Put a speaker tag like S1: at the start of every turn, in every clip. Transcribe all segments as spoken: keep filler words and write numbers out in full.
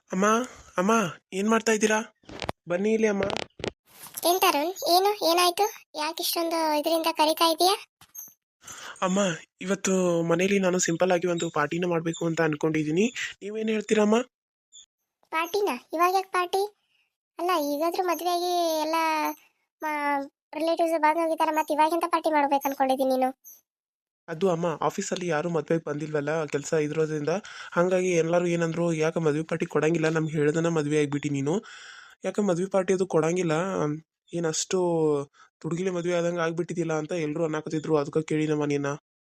S1: ಅಮ್ಮ ಅಮ್ಮ ಏನು ಮಾಡ್ತಾ ಇದ್ದೀರಾ? ಬನ್ನಿ ಇಲ್ಲಿ ಅಮ್ಮ.
S2: ಏನ್ ತರುಣ್, ಏನು ಏನಾಯ್ತು? ಯಾಕೆ ಇಷ್ಟೊಂದು ಇದರಿಂದ ಕರಿತಾ ಇದೀಯಾ?
S1: ಅಮ್ಮ, ಇವತ್ತು ಮನೇಲಿ ನಾನು ಸಿಂಪಲ್ ಆಗಿ ಒಂದು ಪಾರ್ಟಿನ ಮಾಡಬೇಕು ಅಂತ ಅನ್ಕೊಂಡಿದ್ದೀನಿ. ನೀವೇನು ಹೇಳ್ತೀರಮ್ಮ?
S2: ಪಾರ್ಟಿನ ಇವಾಗ ಯಾಕೆ ಪಾರ್ಟಿ? ಅಲ್ಲ, ಈಗಾದ್ರೂ ಮದುವೆ ಆಗಿ ಎಲ್ಲ ರಿಲೇಟಿವ್ಸ್ ಬಂದು ಹೋಗಿದ್ದಾರೆ, ಮತ್ತೆ ಇವಾಗಿಂತ ಪಾರ್ಟಿ ಮಾಡ್ಬೇಕು ಅನ್ಕೊಂಡಿದ್ದೀನಿ ನೀನು.
S1: ಅದು ಅಮ್ಮ, ಆಫೀಸಲ್ಲಿ ಯಾರು ಮದುವೆಗೆ ಬಂದಿಲ್ವಲ್ಲ, ಕೆಲಸ ಇದ್ರೋದ್ರಿಂದ. ಹಾಗಾಗಿ ಎಲ್ಲರೂ ಏನಂದ್ರು, ಯಾಕೆ ಮದುವೆ ಪಾರ್ಟಿ ಕೊಡಂಗಿಲ್ಲ, ನಮ್ಗೆ ಹೇಳ್ದನ ಮದುವೆ ಆಗಿಬಿಟ್ಟು ನೀನು ಯಾಕೆ ಮದುವೆ ಪಾರ್ಟಿ ಅದು ಕೊಡಂಗಿಲ್ಲ, ಏನಷ್ಟು ತುಡುಗಿಲೆ ಮದುವೆ ಆದಂಗೆ ಆಗ್ಬಿಟ್ಟಿದ್ದಿಲ್ಲ ಅಂತ ಎಲ್ಲರೂ ಅನ್ನಕತ್ತಿದ್ರು. ಅದಕ್ಕೆ ಕೇಳಿನಮ್ಮ ನೀನ.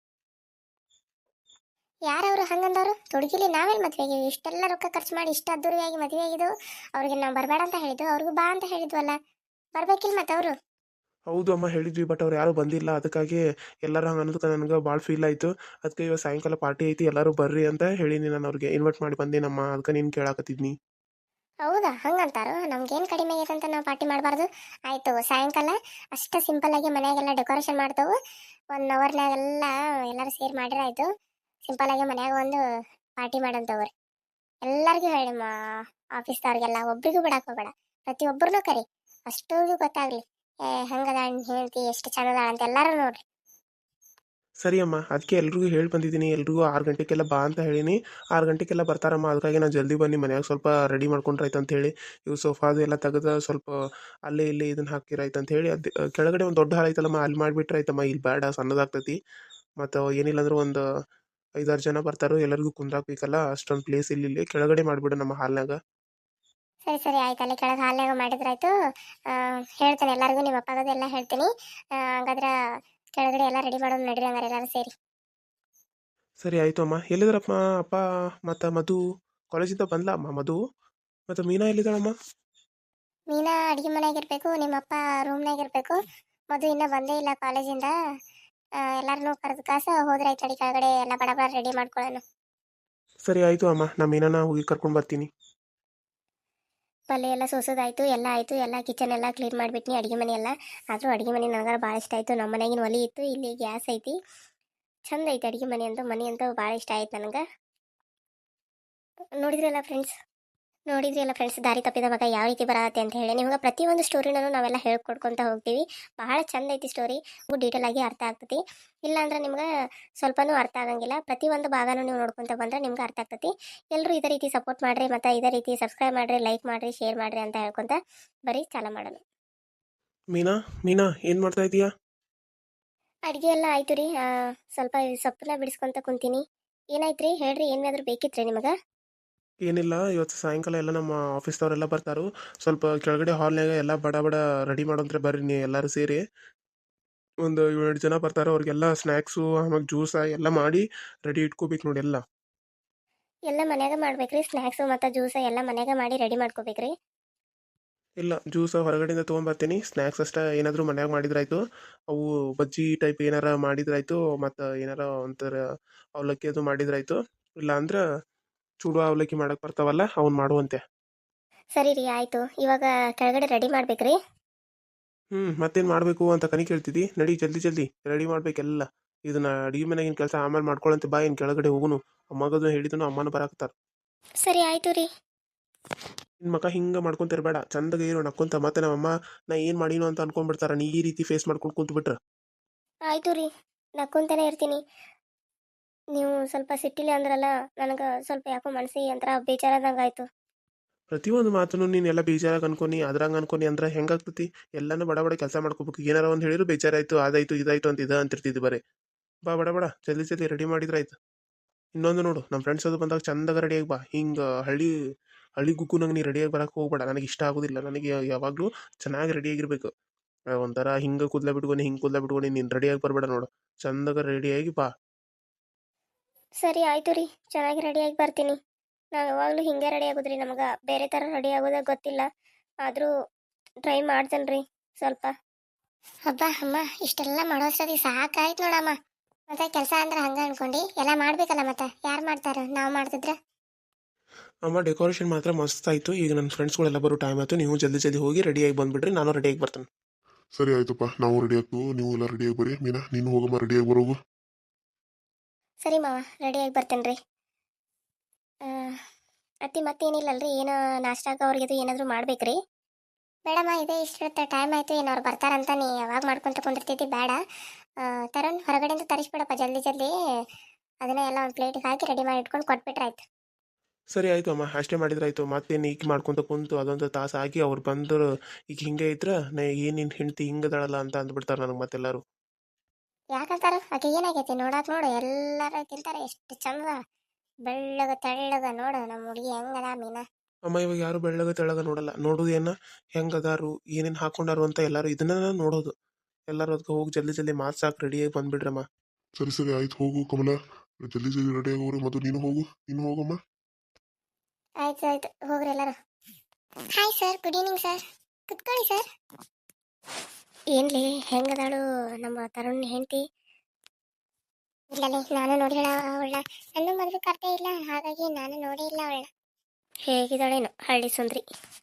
S2: ಯಾರವರು ಹಂಗಂದವರು? ತುಡುಗಿಲಿ ನಾವೆಲ್ಲ ಮದುವೆಗೆ ಇಷ್ಟೆಲ್ಲ ರೊಕ್ಕ ಖರ್ಚು ಮಾಡಿ ಇಷ್ಟ ಅದ್ದೂರಿಯಾಗಿ ಮದುವೆ ಆಗಿದ್ದು, ಅವ್ರಿಗೆ ನಾವು ಬರಬೇಡ ಅಂತ ಹೇಳಿದ್ದು, ಅವ್ರಿಗೂ ಬಾ ಅಂತ ಹೇಳಿದ್ವಲ್ಲ, ಬರ್ಬೇಕಿಲ್ಲ ಮತ್ತೆ ಅವರು.
S1: ಹೌದು ಅಮ್ಮ, ಹೇಳಿದ್ವಿ. ಬಟ್ ಅವ್ರು ಯಾರೂ ಬಂದಿಲ್ಲ. ಅದಕ್ಕಾಗಿ ಎಲ್ಲರೂ ಹಂಗೆ ಅನ್ನೋದಕ್ಕೆ ನನಗೆ ಭಾಳ ಫೀಲ್ ಆಯಿತು. ಅದಕ್ಕೆ ಇವಾಗ ಸಾಯಂಕಾಲ ಪಾರ್ಟಿ ಐತಿ, ಎಲ್ಲರೂ ಬರ್ರಿ ಅಂತ ಹೇಳೀನಿ. ನಾನು ಅವ್ರಿಗೆ ಇನ್ವೈಟ್ ಮಾಡಿ ಬಂದೇನಮ್ಮ. ಅದಕ್ಕೆ ನೀನು ಕೇಳಾಕತ್ತಿದ್ನಿ.
S2: ಹೌದಾ? ಹಂಗಂತಾರು ನಮ್ಗೇನು ಕಡಿಮೆ ಆಗೈತೆ ಅಂತ ನಾವು ಪಾರ್ಟಿ ಮಾಡಬಾರ್ದು. ಆಯಿತು, ಸಾಯಂಕಾಲ ಅಷ್ಟು ಸಿಂಪಲ್ಲಾಗಿ ಮನೆಯಾಗೆಲ್ಲ ಡೆಕೋರೇಷನ್ ಮಾಡ್ತೇವೆ. ಒನ್ ಅವರ್ನಾಗೆಲ್ಲ ಎಲ್ಲರೂ ಸೇರಿ ಮಾಡಿರ ಆಯಿತು. ಸಿಂಪಲ್ಲಾಗಿ ಮನ್ಯಾಗ ಒಂದು ಪಾರ್ಟಿ ಮಾಡಂತವ್ರಿ. ಎಲ್ಲರಿಗೂ ಹೇಳಿ ಮಾ ಆಫೀಸ್ದವ್ರಿಗೆಲ್ಲ ಒಬ್ರಿಗೂ ಬಿಡಕ್ಕೆ ಹೋಗಬೇಡ, ಪ್ರತಿಯೊಬ್ಬರನ್ನೂ ಕರಿ, ಅಷ್ಟೋರ್ಗೂ ಗೊತ್ತಾಗ್ಲಿ ಏ ಹೆಂಗದ ಹೇಳ್ತಿ, ಎಷ್ಟು ಚಂದದ ಅಂತ ಎಲ್ಲರೂ ನೋಡ್ರಿ.
S1: ಸರಿ ಅಮ್ಮ, ಅದಕ್ಕೆ ಎಲ್ರಿಗೂ ಹೇಳಿ ಬಂದಿದ್ದೀನಿ. ಎಲ್ರಿಗೂ ಆರು ಗಂಟೆಗೆಲ್ಲ ಬಾ ಅಂತ ಹೇಳೀನಿ. ಆರು ಗಂಟೆಗೆಲ್ಲ ಬರ್ತಾರಮ್ಮ. ಅದಕ್ಕಾಗಿ ನಾನು ಜಲ್ದಿ ಬನ್ನಿ, ಮನ್ಯಾಗ ಸ್ವಲ್ಪ ರೆಡಿ ಮಾಡ್ಕೊಂಡ್ರಾಯ್ತು ಅಂತ ಹೇಳಿ. ಇವು ಸೋಫಾದು ಎಲ್ಲ ತೆಗೆದು ಸ್ವಲ್ಪ ಅಲ್ಲೇ ಇಲ್ಲೇ ಇದನ್ನು ಹಾಕಿರಾಯ್ತು ಅಂತ ಹೇಳಿ. ಅದು ಕೆಳಗಡೆ ಒಂದು ದೊಡ್ಡ ಹಾಲ್ ಐತಲ್ಲಮ್ಮ, ಅಲ್ಲಿ ಮಾಡಿಬಿಟ್ರೆ ಆಯ್ತಮ್ಮ. ಇಲ್ಲಿ ಬೇಡ, ಸಣ್ಣದಾಗ್ತೈತಿ. ಮತ್ತು ಏನಿಲ್ಲ ಅಂದ್ರೆ ಒಂದು ಐದಾರು ಜನ ಬರ್ತಾರೋ, ಎಲ್ಲರಿಗೂ ಕುಂದ್ರಾಕ್ಬೇಕಲ್ಲ, ಅಷ್ಟೊಂದು ಪ್ಲೇಸ್ ಇಲ್ಲಿ ಇಲ್ಲಿ ಕೆಳಗಡೆ ಮಾಡಿಬಿಡು ನಮ್ಮ ಹಾಲ್ನಾಗ.
S2: ಸರಿ ಸರಿ ಆಯ್ತು, ಅಲ್ಲಿ ಕೆಳಗೆ ಹಾಲ್ನಾಗ ಮಾಡಿದ್ರಾಯ್ತು. ಹೇಳ್ತೇನೆ ಎಲ್ಲರಿಗೂ, ನಿಮ್ಮ ಅಪ್ಪಗದೆಲ್ಲ ಹೇಳ್ತೀನಿ. ಆ, ಹಂಗಾದ್ರೆ ಕೆಳಗಡೆ ಎಲ್ಲ ರೆಡಿ ಮಾಡೋದು ನಡೀರಿ ಹಂಗಾರೆ ಎಲ್ಲರೂ ಸೇರಿ.
S1: ಸರಿ ಆಯಿತು ಅಮ್ಮ. ಎಲ್ಲಿದ್ದಾರಪ್ಪ ಅಪ್ಪ ಮತ್ತು ಮಧು? ಕಾಲೇಜಿಂದ ಬಂದ್ಲಾ ಅಮ್ಮ ಮಧು? ಮತ್ತು ಮೀನಾ ಎಲ್ಲಿದ್ದಾಳಮ್ಮ?
S2: ಮೀನಾ ಅಡುಗೆ ಮನೆಯಾಗಿರ್ಬೇಕು, ನಿಮ್ಮಪ್ಪ ರೂಮ್ನಾಗಿರ್ಬೇಕು. ಮಧು ಇನ್ನೂ ಬಂದೇ ಇಲ್ಲ ಕಾಲೇಜಿಂದ. ಎಲ್ಲರನ್ನೂ ಕರೆದು ಕಾಸ ಹೋದ್ರೆ ಆಯ್ತು, ಅಡಿ ಕೆಳಗಡೆ ಎಲ್ಲ ಬಡ ಬಡ ರೆಡಿ ಮಾಡ್ಕೊಳ್ಳೋಣ.
S1: ಸರಿ ಆಯಿತು ಅಮ್ಮ, ನಾ ಮೀನಾನ ಹೋಗಿ ಕರ್ಕೊಂಡು ಬರ್ತೀನಿ.
S2: ಪಲ್ಯ ಎಲ್ಲ ಸೋಸೋದಾಯ್ತು, ಎಲ್ಲ ಆಯಿತು. ಎಲ್ಲ ಕಿಚನ್ ಎಲ್ಲ ಕ್ಲೀನ್ ಮಾಡಿಬಿಟ್ನಿ, ಅಡುಗೆ ಮನೆ ಎಲ್ಲ. ಆದರೂ ಅಡುಗೆ ಮನೆ ನನಗೆ ಭಾಳ ಇಷ್ಟ ಆಯಿತು. ನಮ್ಮ ಮನೆಯಾಗಿನ ಒಲಿ ಇತ್ತು, ಇಲ್ಲಿ ಗ್ಯಾಸ್ ಐತಿ. ಚಂದ ಐತಿ ಅಡುಗೆ ಮನೆ ಅಂತೂ. ಮನೆ ಅಂತೂ ಭಾಳ ಇಷ್ಟ ಆಯ್ತು ನನಗೆ. ನೋಡಿದ್ರಲ್ಲ ಫ್ರೆಂಡ್ಸ್, ನೋಡಿದ್ರಿ ಫ್ರೆಂಡ್ಸ್, ದಾರಿ ತಪ್ಪಿದ ಮಗ ಯಾವ ರೀತಿ ಬರತ್ತೆ ಅಂತ ಹೇಳಿ. ನಿಮ್ಗೆ ಪ್ರತಿಯೊಂದು ಸ್ಟೋರಿನೂ ನಾವೆಲ್ಲ ಹೇಳ್ಕೊಡ್ಕೊತ ಹೋಗ್ತೀವಿ. ಬಹಳ ಚಂದ ಐತಿ ಸ್ಟೋರಿ, ಡೀಟೇಲ್ ಆಗಿ ಅರ್ಥ ಆಗ್ತೈತಿ. ಇಲ್ಲಾಂದ್ರೆ ನಿಮ್ಗೆ ಸ್ವಲ್ಪನೂ ಅರ್ಥ ಆಗಂಗಿಲ್ಲ. ಪ್ರತಿಯೊಂದು ಭಾಗನೂ ನೀವು ನೋಡ್ಕೊತ ಬಂದ್ರೆ ನಿಮ್ಗೆ ಅರ್ಥ ಆಗ್ತೈತಿ. ಎಲ್ಲರೂ ಇದೇ ರೀತಿ ಸಪೋರ್ಟ್ ಮಾಡಿರಿ, ಮತ್ತು ಇದೇ ರೀತಿ ಸಬ್ಸ್ಕ್ರೈಬ್ ಮಾಡಿರಿ, ಲೈಕ್ ಮಾಡಿರಿ, ಶೇರ್ ಮಾಡಿರಿ ಅಂತ ಹೇಳ್ಕೊತ ಬರೀ ಚಾಲ ಮಾಡೋಣ.
S1: ಮೀನಾ ಮೀನಾ ಏನು ಮಾಡ್ತಾ ಇದೀಯಾ?
S2: ಅಡುಗೆ ಎಲ್ಲ ಆಯ್ತು ರೀ. ಸ್ವಲ್ಪ ಸೊಪ್ಪನ್ನ ಬಿಡಿಸ್ಕೊತ ಕುಂತೀನಿ. ಏನಾಯ್ತು ರೀ, ಹೇಳ್ರಿ, ಏನಾದರೂ ಬೇಕಿತ್ತು ರೀ ನಿಮಗೆ?
S1: ಏನಿಲ್ಲ, ಇವತ್ತು ಸಾಯಂಕಾಲ ಎಲ್ಲ ನಮ್ಮ ಆಫೀಸ್ದವರೆಲ್ಲ ಬರ್ತಾರೋ. ಸ್ವಲ್ಪ ಕೆಳಗಡೆ ಹಾಲ್ನಾಗ ಎಲ್ಲ ಬಡ ಬಡ ರೆಡಿ ಮಾಡೋಂದ್ರೆ ಬರ್ರಿ ನೀವು ಎಲ್ಲರೂ ಸೇರಿ. ಒಂದು ಏಳೆಂಟು ಜನ ಬರ್ತಾರೋ, ಅವ್ರಿಗೆಲ್ಲ ಸ್ನ್ಯಾಕ್ಸು ಆಮೇಲೆ ಜ್ಯೂಸ ಎಲ್ಲ ಮಾಡಿ ರೆಡಿ ಇಟ್ಕೋಬೇಕು ನೋಡಿ ಎಲ್ಲ.
S2: ಎಲ್ಲ ಮನ್ಯಾಗ ಮಾಡ್ಬೇಕ್ರಿ, ಸ್ನ್ಯಾಕ್ಸು ಮತ್ತು ಜ್ಯೂಸ ಎಲ್ಲ ಮನ್ಯಾಗ ಮಾಡಿ ರೆಡಿ ಮಾಡ್ಕೋಬೇಕ್ರಿ.
S1: ಇಲ್ಲ, ಜ್ಯೂಸ್ ಹೊರಗಡೆಯಿಂದ ತೊಗೊಂಬರ್ತೀನಿ. ಸ್ನ್ಯಾಕ್ಸ್ ಅಷ್ಟೇ ಏನಾದರೂ ಮನ್ಯಾಗ ಮಾಡಿದ್ರಾಯ್ತು. ಅವು ಬಜ್ಜಿ ಟೈಪ್ ಏನಾರ ಮಾಡಿದ್ರಾಯ್ತು, ಮತ್ತು ಏನಾರ ಒಂಥರ ಅವಲಕ್ಕಿ ಅದು ಮಾಡಿದ್ರಾಯ್ತು. ಇಲ್ಲ ಅಂದ್ರೆ ಚೂಡು ಅವಲಕ್ಕಿ ಮಾಡಕ್ಕೆ ಬರ್ತಾವಲ್ಲ, ಅವ್ನು ಮಾಡುವಂತೆ.
S2: ಸರಿ ರೀ, ಆಯಿತು. ಇವಾಗ ಕೆಳಗಡೆ ರೆಡಿ ಮಾಡ್ಬೇಕ್ರಿ.
S1: ಹ್ಞೂ, ಮತ್ತೇನು ಮಾಡಬೇಕು ಅಂತ ಕನಿ ಕೇಳ್ತಿದ್ದಿ. ನಡಿ ಜಲ್ದಿ ಜಲ್ದಿ ರೆಡಿ ಮಾಡ್ಬೇಕೆಲ್ಲ. ಇದನ್ನ ಅಡಿಗೆ ಮನೆಗಿನ ಕೆಲಸ ಆಮೇಲೆ ಮಾಡ್ಕೊಳಂತೆ. ಬಾ, ಏನು ಕೆಳಗಡೆ ಹೋಗುನು. ಅಮ್ಮಗದು ಹೇಳಿದನು, ಅಮ್ಮನ ಬರಾಕತ್ತಾರ.
S2: ಸರಿ ಆಯಿತು ರೀ.
S1: ನಿನ್ನ ಮಕ್ಕ ಹಿಂಗೆ ಮಾಡ್ಕೊಂತಿರ್ಬೇಡ, ಚಂದಗೆ ಇರೋ ನಕ್ಕೊಂತ. ಮತ್ತೆ ನಮ್ಮಮ್ಮ ನಾ ಏನು ಮಾಡೀನೋ ಅಂತ ಅನ್ಕೊಂಡ್ಬಿಡ್ತಾರ, ನೀ ಈ ರೀತಿ ಫೇಸ್ ಮಾಡ್ಕೊಂಡು ಕುಂತ್ಬಿಟ್ರೆ.
S2: ಆಯಿತು ರೀ, ನಕ್ಕೊಂತಾನೆ ಇರ್ತೀನಿ. ನೀವು ಸ್ವಲ್ಪ ಸಿಟ್ಟಿಲಿ ಅಂದ್ರಲ್ಲ, ನನಗೆ ಸ್ವಲ್ಪ ಯಾಕೋ ಮನಸ್ಸಿಗೆ ಒಂಥರ ಬೇಜಾರಾದಂಗೆ ಆಯಿತು.
S1: ಪ್ರತಿಯೊಂದು ಮಾತನ್ನು ನೀನು ಎಲ್ಲ ಬೇಜಾರಾಗಿ ಅನ್ಕೊನಿ, ಅದ್ರಂಗೆ ಅನ್ಕೊನಿ ಅಂದ್ರೆ ಹೆಂಗಾಗ್ತತಿ? ಎಲ್ಲನೂ ಬಡ ಬಡ ಕೆಲಸ ಮಾಡ್ಕೋಬೇಕು. ಏನಾರ ಒಂದು ಹೇಳಿದ್ರು ಬೇಜಾರಾಯ್ತು, ಅದಾಯ್ತು ಇದಾಯ್ತು ಅಂತ ಇದು ಅಂತಿರ್ತಿದ್ದು ಬರೀ. ಬಾ, ಬಡ ಬಡ ಜಲ್ದಿ ಜಲ್ದಿ ರೆಡಿ ಮಾಡಿದ್ರಾಯ್ತು. ಇನ್ನೊಂದು ನೋಡು, ನಮ್ಮ ಫ್ರೆಂಡ್ಸ್ ಅದು ಬಂದಾಗ ಚಂದಾಗ ರೆಡಿಯಾಗಿ ಬಾ. ಹಿಂಗೆ ಹಳ್ಳಿ ಹಳ್ಳಿ ಗುಕ್ಕು ನಂಗೆ ನೀ ರೆಡಿಯಾಗಿ ಬರಕ್ಕೆ ಹೋಗ್ಬೇಡ, ನನಗೆ ಇಷ್ಟ ಆಗೋದಿಲ್ಲ. ನನಗೆ ಯಾವಾಗಲೂ ಚೆನ್ನಾಗಿ ರೆಡಿಯಾಗಿರ್ಬೇಕು. ಒಂಥರ ಹಿಂಗೆ ಕೂದಲ ಬಿಟ್ಕೊಂಡು ಹಿಂಗೆ ಕೂದಲ ಬಿಟ್ಕೊಂಡು ನೀನು ರೆಡಿಯಾಗಿ ಬರಬೇಡ ನೋಡು. ಚಂದಾಗ ರೆಡಿಯಾಗಿ ಬಾ.
S2: ಸರಿ ಆಯಿತು ರೀ, ಚೆನ್ನಾಗಿ ರೆಡಿಯಾಗಿ ಬರ್ತೀನಿ. ನಾವು ಯಾವಾಗಲೂ ಹಿಂಗೆ ರೆಡಿ ಆಗೋದ್ರಿ, ನಮಗೆ ಬೇರೆ ಥರ ರೆಡಿ ಆಗೋದಾಗ ಗೊತ್ತಿಲ್ಲ. ಆದರೂ ಟ್ರೈ ಮಾಡ್ತೇನೆ ರೀ ಸ್ವಲ್ಪ. ಹಬ್ಬ ಅಮ್ಮ, ಇಷ್ಟೆಲ್ಲ ಮಾಡೋಷ್ಟೊತ್ತಿಗೆ ಸಾಕಾಯ್ತು ನೋಡಮ್ಮ. ಮತ್ತೆ ಕೆಲಸ ಅಂದ್ರೆ ಹಂಗೆ ಅನ್ಕೊಂಡು ಎಲ್ಲ ಮಾಡ್ಬೇಕಲ್ಲ, ಮತ್ತೆ ಯಾರು ಮಾಡ್ತಾರ? ನಾವು ಮಾಡ್ತಿದ್ರೆ.
S1: ಅಮ್ಮ, ಡೆಕೋರೇಷನ್ ಮಾತ್ರ ಮಸ್ತ್ ಆಯಿತು. ಈಗ ನನ್ನ ಫ್ರೆಂಡ್ಸ್ಗಳೆಲ್ಲ ಬರೋ ಟೈಮ್ ಆಯಿತು. ನೀವು ಜಲ್ದಿ ಜಲ್ದಿ ಹೋಗಿ ರೆಡಿಯಾಗಿ ಬಂದುಬಿಡ್ರಿ, ನಾನು ರೆಡಿಯಾಗಿ ಬರ್ತೇನೆ.
S3: ಸರಿ ಆಯ್ತಪ್ಪ, ನಾವು ರೆಡಿ ಆಗ್ತೀವಿ, ನೀವು ಎಲ್ಲ ರೆಡಿಯಾಗಿ ಬರ್ರಿ. ಮೀನಾ, ನೀನು ಹೋಗಮ್ಮ, ರೆಡಿಯಾಗಿ ಬರೋಗು.
S2: ಸರಿ ಮಾವ, ರೆಡಿಯಾಗಿ ಬರ್ತೇನೆ ರೀ. ಅತ್ತಿ ಮತ್ತೇನಿಲ್ಲಲ್ರಿ ಏನೋ ನಾಷ್ಟಾಗ ಅವ್ರಿಗೆ ಏನಾದರೂ ಮಾಡ್ಬೇಕ್ರಿ? ಬೇಡಮ್ಮ ಇದೇ ಇಷ್ಟ ಟೈಮ್ ಆಯಿತು ಏನು ಅವ್ರು ಬರ್ತಾರಂತ ನೀ ಯಾವಾಗ ಮಾಡ್ಕೊಂತ ಕುಂದಿರ್ತಿದ್ದಿ ಬೇಡ. ಆ, ತರುಣ್ ಹೊರಗಡೆಯಿಂದ ತರಿಸ್ಬಿಡಪ್ಪ ಜಲ್ದಿ ಜಲ್ದಿ. ಅದನ್ನ ಎಲ್ಲ ಒಂದು ಪ್ಲೇಟಿಗೆ ಹಾಕಿ ರೆಡಿ ಮಾಡಿ ಇಟ್ಕೊಂಡು ಕೊಟ್ಬಿಟ್ರೆ ಆಯ್ತು.
S1: ಸರಿ ಆಯಿತು ಅಮ್ಮ, ಅಷ್ಟೇ ಮಾಡಿದ್ರಾಯ್ತು. ಮತ್ತೇನು ಈಗ ಮಾಡ್ಕೊತ ಕುಂತು ಅದೊಂದು ತಾಸು ಆಗಿ ಅವ್ರು ಬಂದರು ಈಗ ಹಿಂಗೆ ಇದ್ರ ನಾ ಏನಿನ್ ಹೆಂಡ್ತಿ ಹಿಂಗದಾಳಲ್ಲ ಅಂತ ಅಂದ್ಬಿಡ್ತಾರೆ ನನಗೆ ಮತ್ತೆಲ್ಲರೂ.
S2: ಯಾಕಂತಾರ ಆಕೆ ಏನಾಗೈತಿ ನೋಡಾಕ್ ನೋಡು ಎಲ್ಲಾರು ತಿಂತಾರೆ ಎಷ್ಟು ಚಂದ ಬೆಳ್ಳಗ ತೆಳ್ಳಗ ನೋಡು ನಮ್ಮ ಹುಡುಗಿ ಹೆಂಗದ ಮೀನಾ.
S1: ಅಮ್ಮ ಇವಾಗ ಯಾರು ಬೆಳ್ಳಗ ತೆಳ್ಳಗ ನೋಡಲ್ಲ, ನೋಡೋದು ಏನ ಹೆಂಗದಾರು ಏನೇನು ಹಾಕೊಂಡಾರು ಅಂತ ಎಲ್ಲರೂ ಇದನ್ನ ನೋಡೋದು. ಎಲ್ಲರೂ ಅದಕ್ಕೆ ಹೋಗಿ ಜಲ್ದಿ ಜಲ್ದಿ ಮಾತು ಸಾಕು ರೆಡಿಯಾಗಿ ಬಂದ್ಬಿಡ್ರಮ್ಮ.
S3: ಸರಿ ಸರಿ ಆಯ್ತು ಹೋಗು ಕಮಲ, ಜಲ್ದಿ ಜಲ್ದಿ ರೆಡಿ ಆಗೋರು. ಮತ್ತು ನೀನು ಹೋಗು, ನೀನು ಹೋಗಮ್ಮ.
S2: ಆಯ್ತು ಆಯ್ತು ಹೋಗ್ರಿ ಎಲ್ಲರೂ. Hi sir, good evening sir, ಕುತ್ಕೊಳ್ಳಿ ಸರ್. ಏನ್ಲಿ ಹೆಂಗದಾಳು ನಮ್ಮ ತರುಣ್ ಹೆಂಡತಿ? ಇಲ್ಲಲೇ ನಾನು ನೋಡಿಲ್ಲ ಅವಳ, ನನ್ನ ಮದುವೆ ಕರ್ತೆ ಇಲ್ಲ ಹಾಗಾಗಿ ನಾನು ನೋಡೇ ಇಲ್ಲ ಅವಳ. ಹೇಗಿದ್ದಾಳೇನು ಹಳ್ಳಿ ಸುಂದ್ರಿ.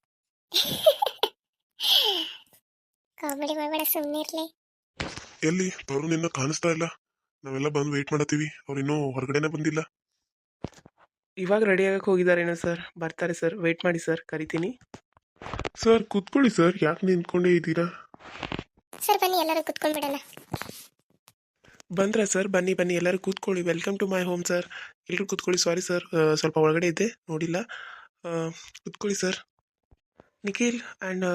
S2: ಕಾಮಿಡಿ ಮಾಡಬೇಡ ಸುಮ್ಮನೆ ಇರ್ಲಿ.
S3: ಎಲ್ಲಿ ತರುಣ್ ಇನ್ನ ಕಾಣಿಸ್ತಾ ಇಲ್ಲ, ನಾವೆಲ್ಲ ಬಂದು ವೇಟ್ ಮಾಡತ್ತೀವಿ, ಅವ್ರು ಇನ್ನೂ ಹೊರಗಡೆನೆ ಬಂದಿಲ್ಲ.
S1: ಇವಾಗ ರೆಡಿ ಆಗಕ್ಕೆ ಹೋಗಿದ್ದಾರೇನೋ ಸರ್, ಬರ್ತಾರೆ ಸರ್, ವೆಯ್ಟ್ ಮಾಡಿ ಸರ್, ಕರಿತೀನಿ.
S3: ಸರ್ ಕೂತ್ಕೊಳ್ಳಿ ಸರ್, ಯಾಕೆ ನಿಂತ್ಕೊಂಡೇ ಇದ್ದೀರಾ?
S2: ಸರ್ ಬನ್ನಿ ಎಲ್ಲರೂ ಕುತ್ಕೊಂಡ್ಬಿಡೋಣ.
S1: ಬಂದ್ರಾ ಸರ್? ಬನ್ನಿ ಬನ್ನಿ ಎಲ್ಲರೂ ಕೂತ್ಕೊಳ್ಳಿ. Welcome to my home sir. ಎಲ್ಲರೂ ಕೂತ್ಕೊಳ್ಳಿ. ಸಾರಿ ಸರ್, ಸ್ವಲ್ಪ ಒಳಗಡೆ ಇದ್ದೆ ನೋಡಿಲ್ಲ. ಆ, ಕೂತ್ಕೊಳ್ಳಿ ಸರ್. ನಿಖಿಲ್ ಆ್ಯಂಡ್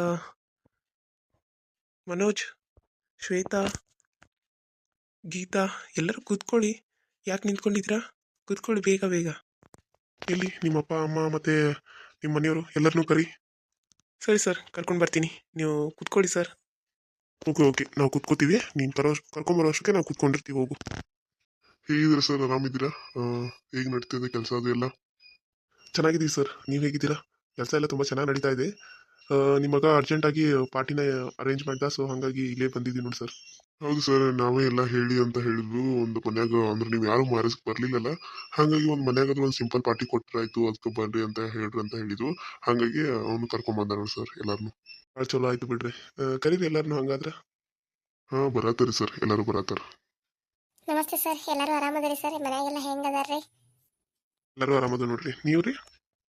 S1: ಮನೋಜ್, ಶ್ವೇತಾ, ಗೀತಾ ಎಲ್ಲರೂ ಕೂತ್ಕೊಳ್ಳಿ. ಯಾಕೆ ನಿಂತ್ಕೊಂಡಿದ್ದೀರಾ? ಕೂತ್ಕೊಳ್ಳಿ ಬೇಗ ಬೇಗ.
S3: ಎಲ್ಲಿ ನಿಮ್ಮ ಅಪ್ಪ ಅಮ್ಮ ಮತ್ತೆ ನಿಮ್ಮ ಮನೆಯವರು ಎಲ್ಲರನ್ನೂ ಕರಿ.
S1: ಸರಿ ಸರ್, ಕರ್ಕೊಂಡು ಬರ್ತೀನಿ, ನೀವು ಕೂತ್ಕೊಳ್ಳಿ ಸರ್.
S3: ಓಕೆ ಓಕೆ, ನಾವು ಕೂತ್ಕೋತೀವಿ, ನೀನು ಕರೋ ಕರ್ಕೊಂಬರೋ ಅಷ್ಟಕ್ಕೆ ನಾವು ಕೂತ್ಕೊಂಡಿರ್ತೀವಿ. ಹೋಗು. ಹೇಗಿದ್ದೀರಾ ಸರ್, ಆರಾಮಿದ್ದೀರಾ? ಹೇಗೆ ನಡೀತಿದೆ ಕೆಲಸ ಅದು ಎಲ್ಲ?
S1: ಚೆನ್ನಾಗಿದ್ದೀವಿ ಸರ್, ನೀವು ಹೇಗಿದ್ದೀರಾ? ಕೆಲಸ ಎಲ್ಲ ತುಂಬ ಚೆನ್ನಾಗಿ ನಡೀತಾ ಇದೆ. ಆ, ನಿಮ್ಮ ಮಗ ಅರ್ಜೆಂಟಾಗಿ ಪಾರ್ಟಿನ ಅರೇಂಜ್ ಮಾಡ್ದ, ಸೊ ಹಾಗಾಗಿ ಇಲ್ಲೇ ಬಂದಿದ್ದೀನಿ ನೋಡಿ ಸರ್.
S3: ಹೌದು ಸರ್, ನಾವೇ ಎಲ್ಲ ಹೇಳಿ ಅಂತ ಹೇಳಿದ್ರು. ಒಂದು ಮನ್ಯಾಗ ಅಂದ್ರೆ ನೀವು ಯಾರು ಮ್ಯಾರೇಜ್ಗೆ ಬರ್ಲಿಲ್ಲಲ್ಲ, ಹಾಗಾಗಿ ಒಂದು ಮನ್ಯಾಗ ಒಂದು ಸಿಂಪಲ್ ಪಾರ್ಟಿ ಕೊಟ್ಟರಾಯ್ತು, ಅದಕ್ಕೆ ಬರ್ರಿ ಅಂತ ಹೇಳ್ರಿ ಅಂತ ಹೇಳಿದ್ರು. ಹಾಗಾಗಿ ಅವನು ಕರ್ಕೊಂಡ್ ನೋಡಿ ಸರ್ ಎಲ್ಲಾರನು.
S1: ಭಾಳ ಚಲೋ ಆಯ್ತು ಬಿಡ್ರಿ. ಆ, ಕರೀರಿ ಎಲ್ಲರನ್ನೂ ಹಂಗಾದ್ರೆ.
S3: ಹಾ ಬರತ್ತಾರಿ ಸರ್, ಎಲ್ಲರೂ ಬರತ್ತಾರ.
S2: ನಮಸ್ತೆ ಸರ್, ಎಲ್ಲರೂ ಆರಾಮದಿರಿ ಸರ್? ಮನೆಯಾಗೆಲ್ಲ ಹೆಂಗದಾರ್ರಿ?
S1: ಎಲ್ಲರೂ ಆರಾಮದ ನೋಡ್ರಿ, ನೀವು ರೀ?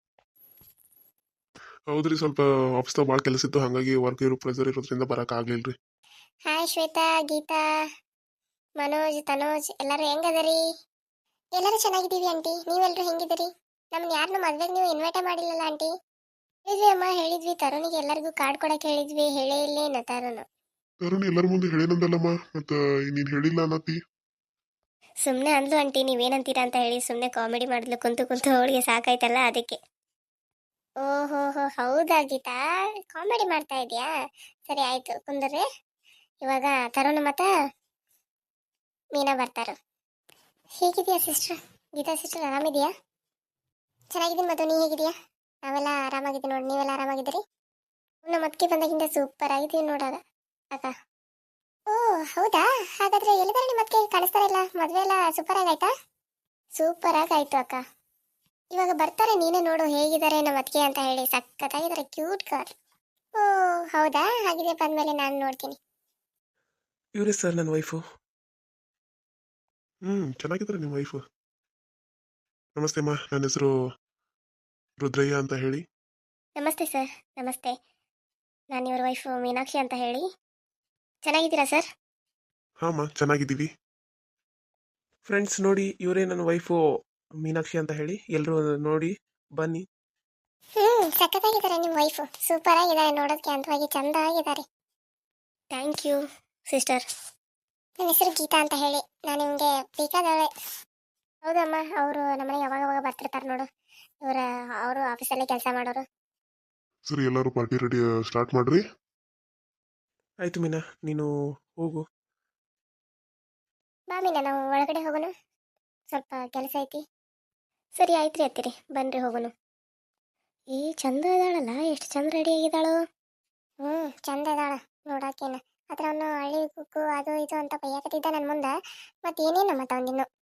S1: ಹೌದ್ರಿ, ಸ್ವಲ್ಪ ಆಫೀಸ್ದಾಗ ಭಾಳ ಕೆಲಸ ಇತ್ತು, ಹಾಗಾಗಿ ವರ್ಕ್ ಇರೋ ಪ್ರೆಸರ್ ಇರೋದ್ರಿಂದ ಬರಕ್ಕೆ ಆಗ್ಲಿಲ್ಲ ರೀ.
S2: ಹಾಯ್ ಶ್ವೇತಾ, ಗೀತಾ, ಮನೋಜ್, ತನೋಜ್ ಎಲ್ಲರೂ ಹೆಂಗದರಿ? ಎಲ್ಲರೂ ಚೆನ್ನಾಗಿದ್ದೀವಿ ಆಂಟಿ, ನೀವೆಲ್ಲರೂ ಹೆಂಗಿದ್ದೀರಿ? ನಮ್ಮನ್ನ ಯಾರನ್ನೂ ಮದ್ವೆಗೆ ನೀವು ಇನ್ವೈಟೇ ಮಾಡಿಲ್ಲಲ್ಲ ಆಂಟಿ? ಹೇಳಿದ್ವಿ ಅಮ್ಮ, ಹೇಳಿದ್ವಿ. ತರುಣಿಗೆ ಎಲ್ಲರಿಗೂ ಕಾರ್ಡ್ ಕೊಡಕ್ಕೆ ಹೇಳಿದ್ವಿ, ಹೇಳೇ ಇಲ್ಲೇನು ತರುಣ್?
S3: ತರುಣ್ ಎಲ್ಲರ ಮುಂದೆ ಹೇಳಿನಂದಲ್ಲಮ್ಮ, ಮತ್ತ ನೀನ್ ಹೇಳಿಲ್ಲ ಅನ್ನತಿ.
S2: ಸುಮ್ಮನೆ ಅಂದ್ಲು ಆಂಟಿ, ನೀವೇನಂತೀರಾ ಅಂತ ಹೇಳಿ ಸುಮ್ಮನೆ ಕಾಮಿಡಿ ಮಾಡಿದ್ಲು, ಕುಂತು ಕುಂತು ಅವಳಿಗೆ ಸಾಕಾಯ್ತಲ್ಲ ಅದಕ್ಕೆ. ಓಹೋ ಹೋ, ಹೌದಾ ಗೀತಾ, ಕಾಮಿಡಿ ಮಾಡ್ತಾ ಇದೆಯಾ? ಸರಿ ಆಯ್ತು ಕುಂದ್ರಿ. ಇವಾಗ ತರುಣ್ ಮತ್ತ ಮೀನಾ ಬರ್ತಾರ. ಹೇಗಿದೆಯಾ ಸಿಸ್ಟರ್? ಗೀತಾ ಸಿಸ್ಟರ್ ಆರಾಮಿದೆಯಾ? ಚೆನ್ನಾಗಿದ್ದೀನಿ ಮಧು, ನೀ ಹೇಗಿದೆಯಾ? ನಾವೆಲ್ಲ ಆರಾಮಾಗಿದ್ದೀವಿ ನೋಡಿ, ನೀವೆಲ್ಲ ಆರಾಮಾಗಿದ್ದೀರಿ? ನಮ್ಮ ಮತ್ಕೆ ಬಂದಾಗಿಂದ ಸೂಪರ್ ಆಗಿದ್ದೀವಿ ನೋಡಾಗ ಅಕ್ಕ. ಓ ಹೌದಾ, ಹಾಗಾದ್ರೆ ಎಲ್ಲಿದ್ದಾರೆ ನಿಮ್ಮ ಮತ್ಕೆ? ಕಾಣಿಸ್ತಾ ಇಲ್ಲ. ಮದುವೆ ಎಲ್ಲ ಸೂಪರ್ ಆಗಾಯ್ತಾ? ಸೂಪರ್ ಆಗಾಯ್ತು ಅಕ್ಕ. ಇವಾಗ ಬರ್ತಾರೆ, ನೀನೇ ನೋಡು ಹೇಗಿದ್ದಾರೆ ನಮ್ಮ ಮತ್ಕೆ ಅಂತ ಹೇಳಿ. ಸಖತ್ತಾಗಿದ್ದಾರೆ, ಕ್ಯೂಟ್ ಗರ್ಲ್. ಓ ಹೌದಾ, ಹಾಗಿದೆ, ಬಂದ್ಮೇಲೆ ನಾನು ನೋಡ್ತೀನಿ.
S1: ಇವರೇ ಸರ್ ನನ್ನ ವೈಫು. ಹ್ಞೂ ಚೆನ್ನಾಗಿದ್ದಾರೆ ನಿಮ್ಮ ವೈಫು. ನಮಸ್ತೆ ಅಮ್ಮ, ನನ್ನ ಹೆಸರು ರುದ್ರಯ್ಯ ಅಂತ ಹೇಳಿ.
S2: ನಮಸ್ತೆ ಸರ್. ನಮಸ್ತೆ, ನಾನು ಇವ್ರ ವೈಫು ಮೀನಾಕ್ಷಿ ಅಂತ ಹೇಳಿ. ಚೆನ್ನಾಗಿದ್ದೀರಾ ಸರ್?
S1: ಹಾಂ ಅಮ್ಮ, ಚೆನ್ನಾಗಿದ್ದೀವಿ. ಫ್ರೆಂಡ್ಸ್ ನೋಡಿ, ಇವರೇ ನನ್ನ ವೈಫು ಮೀನಾಕ್ಷಿ ಅಂತ ಹೇಳಿ. ಎಲ್ಲರೂ ನೋಡಿ ಬನ್ನಿ.
S2: ಹ್ಮ್ ಸಖತ್ತಾಗಿದ್ದಾರೆ ನಿಮ್ಮ ವೈಫು, ಸೂಪರ್ ಆಗಿದ್ದಾರೆ, ನೋಡೋದಕ್ಕೆ ಅಂತವಾಗಿ ಚಂದ ಆಗಿದ್ದಾರೆ. Thank you sister. ನನ್ನ ಹೆಸರು ಗೀತಾ ಅಂತ ಹೇಳಿ, ನಾನು ನಿಮಗೆ ಬೇಕಾದವಳೆ. ಹೌದಮ್ಮ, ಅವರು ನಮ್ಮನೆ ಯಾವಾಗ ಯಾವಾಗ ಬರ್ತಿರ್ತಾರೆ ನೋಡು, ಇವರ ಅವರು ಆಫೀಸಲ್ಲೇ ಕೆಲಸ ಮಾಡೋರು.
S3: ಸರಿ, ಎಲ್ಲರೂ ಪಾರ್ಟಿ ರೆಡಿ ಸ್ಟಾರ್ಟ್ ಮಾಡ್ರಿ.
S1: ಆಯಿತು ಮೀನಾ, ನೀನು ಹೋಗು.
S2: ಬಾ ಮೀನಾ, ನಾವು ಒಳಗಡೆ ಹೋಗೋಣ, ಸ್ವಲ್ಪ ಕೆಲಸ ಐತಿ. ಸರಿ ಆಯ್ತು ರೀ ಅತ್ತಿರಿ, ಬನ್ನಿರಿ ಹೋಗೋಣ. ಏ ಚಂದ ಇದ್ದಾಳಲ್ಲ, ಎಷ್ಟು ಚಂದ ರೆಡಿ ಆಗಿದ್ದಾಳು. ಹ್ಞೂ ಚಂದ ಇದ್ದಾಳ ನೋಡಾಕೇನ. ಆದ್ರೆ ಅವನು ಹಳ್ಳಿ ಕುಕ್ಕು ಅದು ಇದು ಅಂತ ಬೈಯಾಕತ್ತಿದ್ದ ನನ್ನ ಮುಂದೆ. ಮತ್ತೆ ಏನೇನು ಮತ್ತೆ ಅವನಿನ್ನು